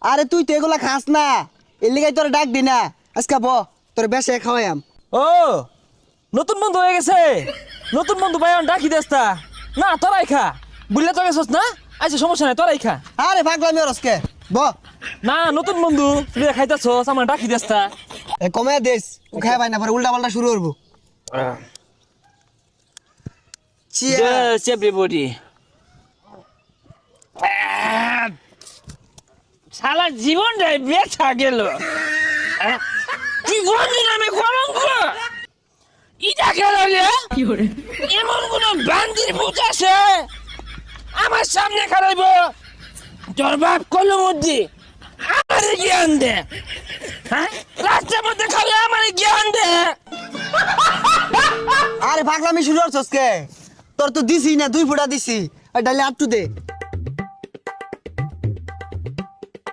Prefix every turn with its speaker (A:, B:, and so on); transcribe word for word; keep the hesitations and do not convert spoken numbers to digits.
A: আরে তুই তো এগুলা খাস না, এর লিগাই তোর ডাক দি না। আজকে ব তোর বেশে খাওয়াইম।
B: ও নতুন বন্ধু হয়ে গেছে, নতুন বন্ধু ভাই ডাকি দেস্তা না, তোরাই খা। বুঝলে তো গেছস না, আচ্ছা সমস্যা নাই, তোরাই খা।
A: আরে পাগলামি ওরসকে ব
B: না নতুন বন্ধু তুই খাইতেছস, আমার ডাকি দেস্তা।
A: এ কমে দেস, ও খাই ভাই না পরে উল্টা পাল্টা শুরু করবো।
B: Cheers everybody. সারা জীবনটাই বেচা গেল, জীবন নামে কলঙ্ক। ইটা গেল এমন কোন বান্দির ভূত আছে আমার সামনে খারাইব, তোর বাপ কলম মধ্যে আমার জ্ঞান দে, হ্যাঁ রাস্তার মধ্যে খাবে আমার জ্ঞান দে।
A: আরে পাগলামি শুরু করছস কে? তোর তো দিছি না, দুই ফোঁটা দিছি। আর ডালে আটটু দে।